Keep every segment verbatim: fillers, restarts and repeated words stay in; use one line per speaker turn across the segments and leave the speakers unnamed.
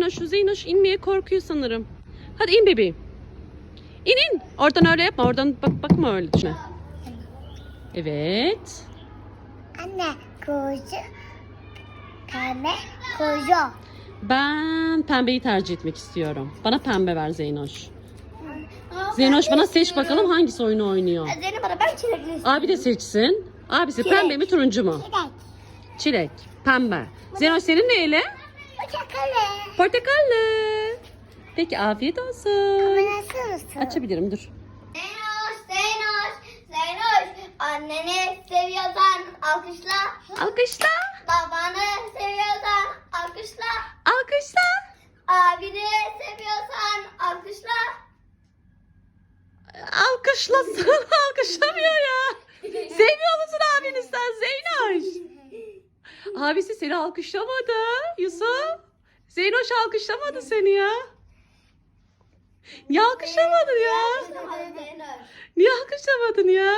Zeynoş. Zeynoş inmeye korkuyor sanırım. Hadi in bebeğim. İn in. Oradan öyle yapma. Oradan bak bakma öyle düşüne. Evet.
Anne koyucu. Pembe koyucu.
Ben pembeyi tercih etmek istiyorum. Bana pembe ver Zeynoş. Zeynoş bana seç bakalım hangisi oyunu oynuyor.
Zeynep bana ben çilekli istiyorum.
Abi de seçsin. Abisi
Çilek.
pembe mi turuncu mu?
Çilek.
Çilek. Pembe. Zeynoş senin neyle?
Portakalı.
Portakallı. Peki afiyet olsun.
Nasıl mısın?
Açabilirim dur.
Zeynoş, Zeynoş, Zeynoş. Anneni seviyorsan alkışla.
Alkışla.
Babanı seviyorsan alkışla.
Alkışla.
Abini seviyorsan alkışla.
Alkışlasın. Alkışlamıyor ya. Sevmiyor musun abini sen Zeynoş? Abisi seni alkışlamadı Yusuf. Zeynoş alkışlamadı seni ya. Niye alkışlamadın ya? Niye alkışlamadın ya?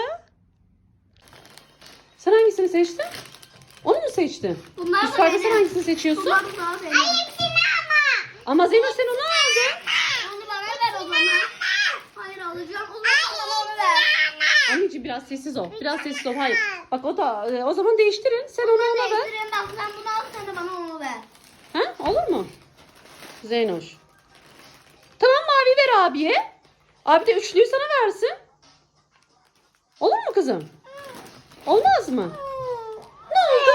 Sen hangisini seçtin? Onu mu seçtin?
Bunlar
Üst farkı sen hangisini seçiyorsun?
Ay hepsini ama.
Ama Zeynoş sen onu aldın.
Onu bana ver o zaman. Hayır alacağım. O zaman bana onu ver.
Anneciğim biraz sessiz ol. Biraz sessiz ol. Hayır. Bak o da e, o zaman değiştirin. Sen onu ona ver.
Değiştirin bak sen bunu al sen de bana onu ver.
Ha? Olur mu? Zeynoş. Tamam mavi ver abiye. Abi de üçlüyü sana versin. Olur mu kızım? Olmaz mı? Ne oldu?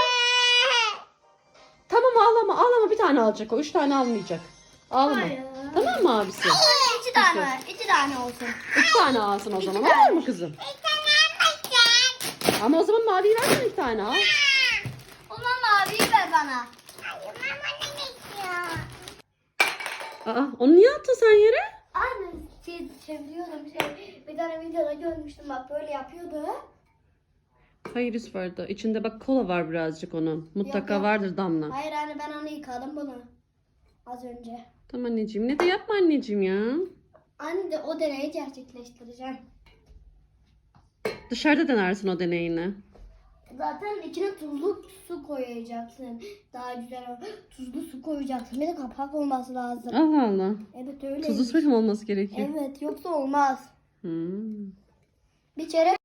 Tamam ağlama ağlama bir tane alacak o. Üç tane almayacak. Ağlama.
Hayır.
Tamam mı abisi?
İki tane ver. İki tane olsun.
Üç tane alsın o zaman.
tane.
Olur mu kızım? Ama o zaman maviyi versene bir tane al.
O zaman maviyi ver bana. Hayır mama ne istiyor?
Aa, onu niye attın sen yere?
Anne şey, çeviriyordum şey. Bir tane videoda görmüştüm bak böyle yapıyordu.
Hayır Yusuf vardı. İçinde bak kola var birazcık onun. Mutlaka
Yok, yok.
vardır Damla.
Hayır anne ben onu yıkadım bunu. Az önce.
Tamam anneciğim. Ne de yapma anneciğim ya.
Anne de o deneyi gerçekleştireceğim.
Dışarıda denersin o deneyini.
Zaten içine tuzlu su koyacaksın. Daha güzel o. Tuzlu su koyacaksın. Bir de kapak olması lazım.
Allah Allah.
Evet öyle.
Tuzlu suyla mı olması gerekiyor?
Evet yoksa olmaz.
Hmm.
Bir kere